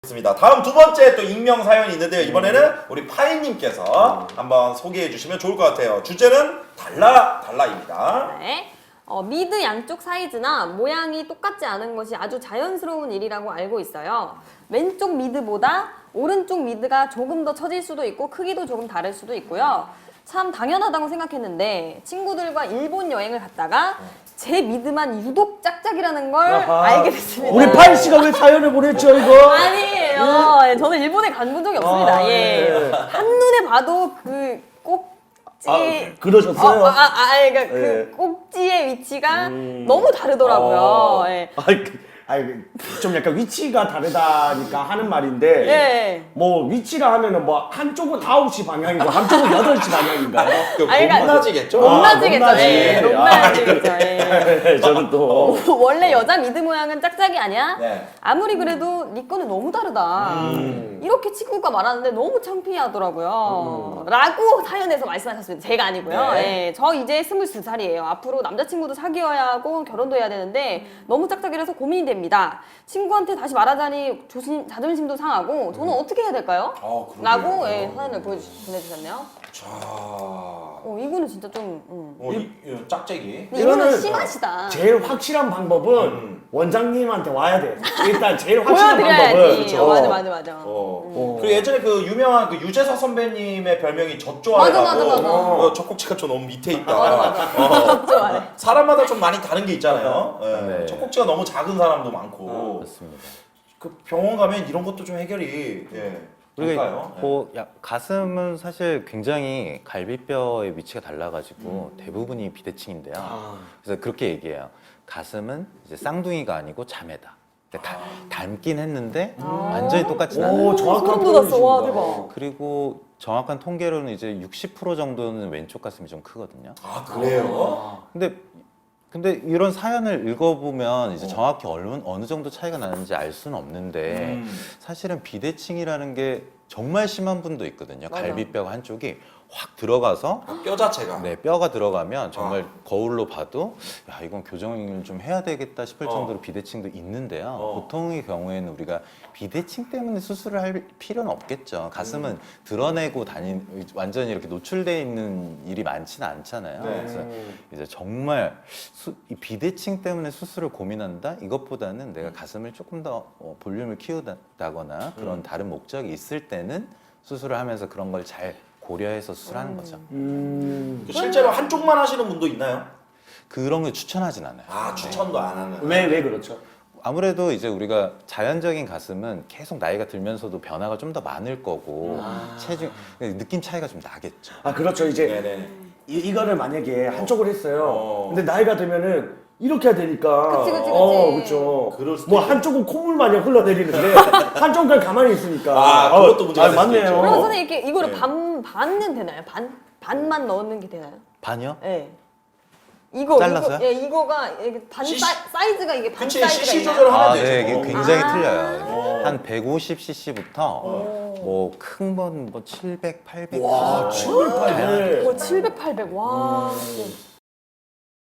좋습니다. 다음 두 번째 또 익명 사연이 있는데요. 이번에는 우리 파이님께서 한번 소개해 주시면 좋을 것 같아요. 주제는 달라입니다. 네. 미드 양쪽 사이즈나 모양이 똑같지 않은 것이 아주 자연스러운 일이라고 알고 있어요. 왼쪽 미드보다 오른쪽 미드가 조금 더 처질 수도 있고 크기도 조금 다를 수도 있고요. 참 당연하다고 생각했는데 친구들과 일본 여행을 갔다가 제 미드만 유독 짝짝이라는 걸 알게 됐습니다. 우리 파이 씨가 왜 사연을 보냈죠 이거? 아니에요. 저는 일본에 간 적이 없습니다. 예. 한눈에 봐도 그 꼭지 그러셨어요? 그러니까 예. 그 꼭지의 위치가 너무 다르더라고요. 예. 좀 약간 위치가 다르다니까 하는 말인데 예. 뭐 위치라 하면은 뭐 한쪽은 9시 방향이고 한쪽은 8시 방향인가요? 그러니까 높낮이겠죠? 높낮이겠죠. 높낮이. 예. 높낮이겠죠. 예. 저는 또 원래 여자 미드 모양은 짝짝이 아니야? 네. 아무리 그래도 네 거는 너무 다르다. 이렇게 친구가 말하는데 너무 창피하더라고요. 라고 사연에서 말씀하셨습니다. 제가 아니고요. 네. 예, 저 이제 22살이에요. 앞으로 남자친구도 사귀어야 하고 결혼도 해야 되는데 너무 짝짝이라서 고민이 됩니다. 친구한테 다시 말하자니 자존심도 상하고 저는 어떻게 해야 될까요? 그러게요. 라고 예, 사연을 보내주셨네요. 자, 이거는 진짜 좀 이 짝짝이. 근데 이거는 이거는 심하시다. 제일 확실한 방법은 원장님한테 와야 돼. 일단 제일 확실한 방법은 보여드려야지. 그렇죠. 맞아. 그리고 예전에 그 유명한 그 유재석 선배님의 별명이 젖좋아해라고. 맞아. 젖꼭지가 좀 너무 밑에 있다. 맞아. 좋아해. 사람마다 좀 많이 다른 게 있잖아요. 예. 네. 젖꼭지가 너무 작은 사람도 많고. 맞습니다. 그 병원 가면 이런 것도 좀 해결이 될까요? 가슴은 사실 굉장히 갈비뼈의 위치가 달라가지고 대부분이 비대칭인데요. 그래서 그렇게 얘기해요. 가슴은 이제 쌍둥이가 아니고 자매다. 그러니까 닮긴 했는데 완전히 똑같진 않아요. 오, 정확한 소름 돋았어. 와, 표현이십니다. 대박. 그리고 정확한 통계로는 이제 60% 정도는 왼쪽 가슴이 좀 크거든요. 아, 그래요? 근데 이런 사연을 읽어보면 이제 정확히 어느 정도 차이가 나는지 알 수는 없는데 사실은 비대칭이라는 게 정말 심한 분도 있거든요. 맞아. 갈비뼈가 한쪽이 확 들어가서 뼈 자체가. 네, 뼈가 들어가면 정말 거울로 봐도 야 이건 교정을 좀 해야 되겠다 싶을 정도로 비대칭도 있는데요. 보통의 경우에는 우리가 비대칭 때문에 수술을 할 필요는 없겠죠. 가슴은 드러내고 완전히 이렇게 노출되어 있는 일이 많지는 않잖아요. 네. 그래서 이제 정말 이 비대칭 때문에 수술을 고민한다? 이것보다는 내가 가슴을 조금 더 볼륨을 키우다거나 그런 다른 목적이 있을 때는 수술을 하면서 그런 걸 잘 고려해서 수술하는 거죠. 실제로 한쪽만 하시는 분도 있나요? 그런 걸 추천하진 않아요. 아, 추천도 안 하는. 왜 그렇죠? 아무래도 이제 우리가 자연적인 가슴은 계속 나이가 들면서도 변화가 좀 더 많을 거고 체중 느낌 차이가 좀 나겠죠. 그렇죠. 이제 네네. 이거를 만약에 한쪽을 했어요. 근데 나이가 들면은 이렇게 해야 되니까. 그치. 그렇죠. 그럴 수도 뭐 있겠네. 한쪽은 콧물 마냥 흘러내리는데 한쪽은 그냥 가만히 있으니까. 그것도 문제가 될 수도 맞네요. 있죠. 그럼 선생님 이렇게 이거를 네. 반은 되나요? 반만 넣는 게 되나요? 반이요? 예. 이거 잘라서요? 이거가 이게 사이즈가 이게 반 그치, 사이즈가 CC 있나요? 조절을 하면 네, 되죠. 이게 굉장히 아. 틀려요. 한 150cc부터 뭐 큰 건 뭐 700, 800. 와, 7, 800. 와, 700, 800. 와.